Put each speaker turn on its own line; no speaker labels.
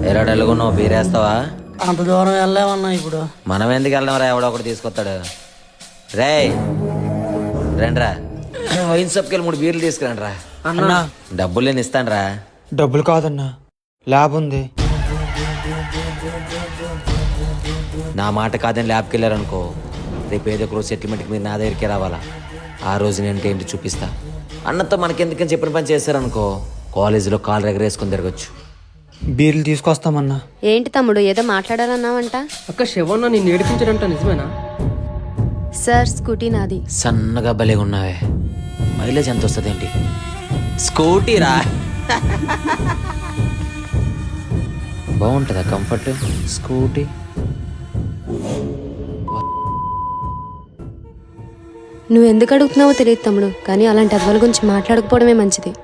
ఎరాడెళ్ళగున్నావు బీరేస్తావా?
అంత దూరం వెళ్ళామన్నా ఇప్పుడు.
మనం ఎందుకు వెళ్దాం రా, ఎవడో ఒకటి తీసుకొస్తాడు. రేయ్ రండ్రా, వైన్ షాప్కి వెళ్ళి 3 బీర్లు తీసుకురండి రా.
అన్నా
డబ్బులు నేను ఇస్తాను రా.
డబ్బులు కాదన్నా, ల్యాబ్ ఉంది.
నా మాట కాదని ల్యాబ్కి వెళ్ళారనుకో, రేపు ఏదో ఒక రోజు సెటిల్మెంట్కి మీరు నా దగ్గరికి రావాలా. ఆ రోజు నేను ఏంటి చూపిస్తా. అన్నతో మనకెందుకని చెప్పిన పని చేశారనుకో, కాలేజీలో కాలు ఎగరేసుకొని తిరగచ్చు.
బీర్లు తీసుకొస్తామన్నా.
ఏంటి తమ్ముడు ఏదో మాట్లాడాలన్నావంట?
అక్క శివన్న నిన్ను ఏడిపించడంట నిజమేనా?
సార్ స్కూటీ నాది.
సన్నగా భలేగా ఉన్నావే, మైలేజ్ ఎంత వస్తుంది ఏంటి? స్కూటీ రా. బాగుంటుందా కంఫర్ట్ స్కూటీ?
నువ్వు ఎందుకు అడుగుతున్నావో తెలియదు తమ్ముడు, కానీ అలాంటి అద్వాల గురించి మాట్లాడకపోవడమే మంచిది.